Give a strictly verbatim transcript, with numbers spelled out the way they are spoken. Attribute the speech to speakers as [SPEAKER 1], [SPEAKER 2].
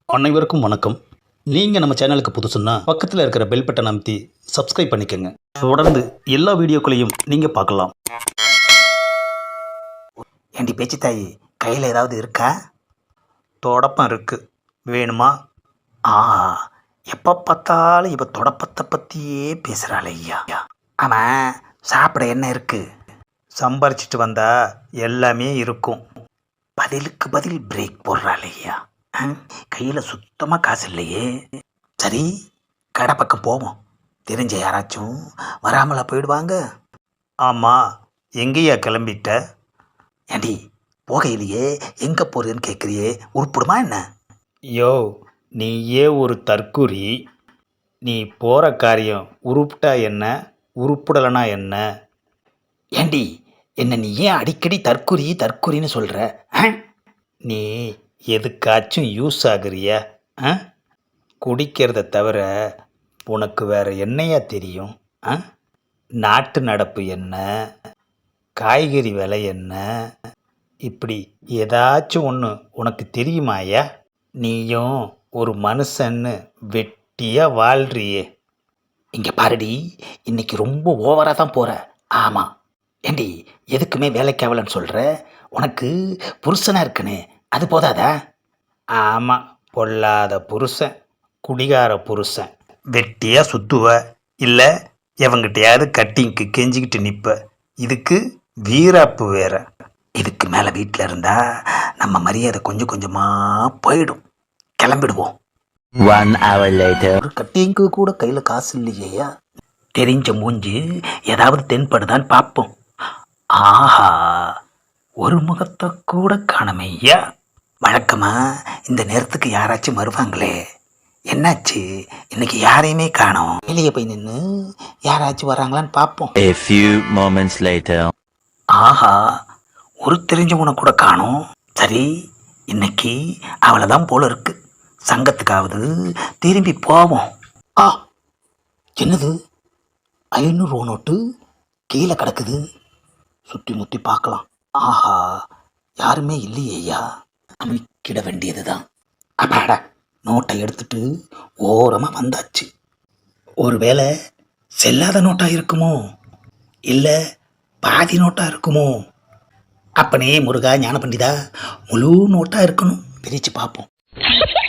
[SPEAKER 1] அனைவருக்கும் வணக்கம். நீங்கள் நம்ம சேனலுக்கு புதுசுன்னா பக்கத்தில் இருக்கிற பெல் பட்டன் அமைத்தி சப்ஸ்கிரைப் பண்ணிக்கோங்க. தொடர்ந்து எல்லா வீடியோக்களையும் நீங்கள் பார்க்கலாம்.
[SPEAKER 2] ஏண்டி பேச்சு தாயி, கையில் ஏதாவது இருக்கா?
[SPEAKER 1] தொடப்பம் இருக்கு, வேணுமா?
[SPEAKER 2] ஆ, எப்போ பார்த்தாலும் இப்போ தொடப்பத்தை பற்றியே பேசுகிறாள் ஐயா. ஆமாம், சாப்பிட என்ன இருக்கு?
[SPEAKER 1] சம்பாரிச்சிட்டு வந்தா எல்லாமே இருக்கும்.
[SPEAKER 2] பதிலுக்கு பதில் பிரேக் போடுறாள் ஐயா. கையில் சுத்தமாக காசு இல்லையே. சரி, கடை பக்கம் போவோம். தெரிஞ்ச யாராச்சும் வராமலா போயிடுவாங்க.
[SPEAKER 1] ஆமாம், எங்கேயா கிளம்பிட்ட?
[SPEAKER 2] ஏண்டி, போகையிலேயே எங்கே போகிறதுன்னு கேட்குறியே, உருப்பிடுமா என்ன?
[SPEAKER 1] யோ, நீயே ஒரு தற்குறி. நீ போகிற காரியம் உருப்பிட்டா என்ன, உருப்பிடலைனா என்ன?
[SPEAKER 2] ஏண்டி, என்ன நீ ஏன் அடிக்கடி தற்குறி தற்குறின்னு சொல்கிற?
[SPEAKER 1] நீ எதுக்காச்சும் யூஸ் ஆகுறியா? ஆ? குடிக்கிறத தவிர உனக்கு வேற என்னையா தெரியும்? ஆ? நாட்டு நடப்பு என்ன, காய்கறி விலை என்ன, இப்படி ஏதாச்சும் ஒன்று உனக்கு தெரியுமாயா? நீயும் ஒரு மனுஷன்னு வெட்டியாக வாழ்றியே.
[SPEAKER 2] இங்கே பாருடி, இன்னைக்கு ரொம்ப ஓவராக தான் போகிற. ஆமாம். ஏண்டி, எதுக்குமே வேலைக்காவலன்னு சொல்கிற? உனக்கு புருஷனாக இருக்குன்னு அது போதாதா?
[SPEAKER 1] ஆமாம், பொல்லாத புருஷன், குடிகார புருஷன். வெட்டியாக சுத்துவ, இல்லை எவங்கிட்டையாவது கட்டிங்க்கு கெஞ்சிக்கிட்டு நிற்ப. இதுக்கு வீராப்பு வேற.
[SPEAKER 2] இதுக்கு மேலே வீட்டில் இருந்தால் நம்ம மரியாதை கொஞ்சம் கொஞ்சமாக போயிடும். கிளம்பிடுவோம்.
[SPEAKER 3] One hour later.
[SPEAKER 2] ஒரு கட்டிங்க்கு கூட கையில் காசு இல்லையா? தெரிஞ்ச மூஞ்சி ஏதாவது தென்படுதான்னு பார்ப்போம். ஆஹா, ஒரு முகத்தை கூட காணமையா. வழக்கமாக இந்த நேரத்துக்கு யாராச்சும் வருவாங்களே, என்னாச்சு இன்னைக்கு யாரையுமே காணோம். வெளியே போய் நின்று யாராச்சும் வராங்களான்னு பார்ப்போம்.
[SPEAKER 3] A few moments later.
[SPEAKER 2] ஆஹா, ஒரு தெரிஞ்சவனை கூட காணோம். சரி, இன்னைக்கு அவளை தான் போல இருக்கு. சங்கத்துக்காவது திரும்பி போவோம். ஆ, என்னது, ஐநூறு நோட்டு கீழே கிடக்குது. சுற்றி முற்றி பார்க்கலாம். ஆஹா, யாருமே இல்லையேயா. அமைக்கிட வேண்டியது தான். அப்பாடா, நோட்டை எடுத்துட்டு ஓரமாக வந்தாச்சு. ஒருவேளை செல்லாத நோட்டாக இருக்குமோ, இல்லை பாதி நோட்டாக இருக்குமோ? அப்பனே முருகா ஞான பண்டிதா, முழு நோட்டாக இருக்கணும். பிரித்து பார்ப்போம்.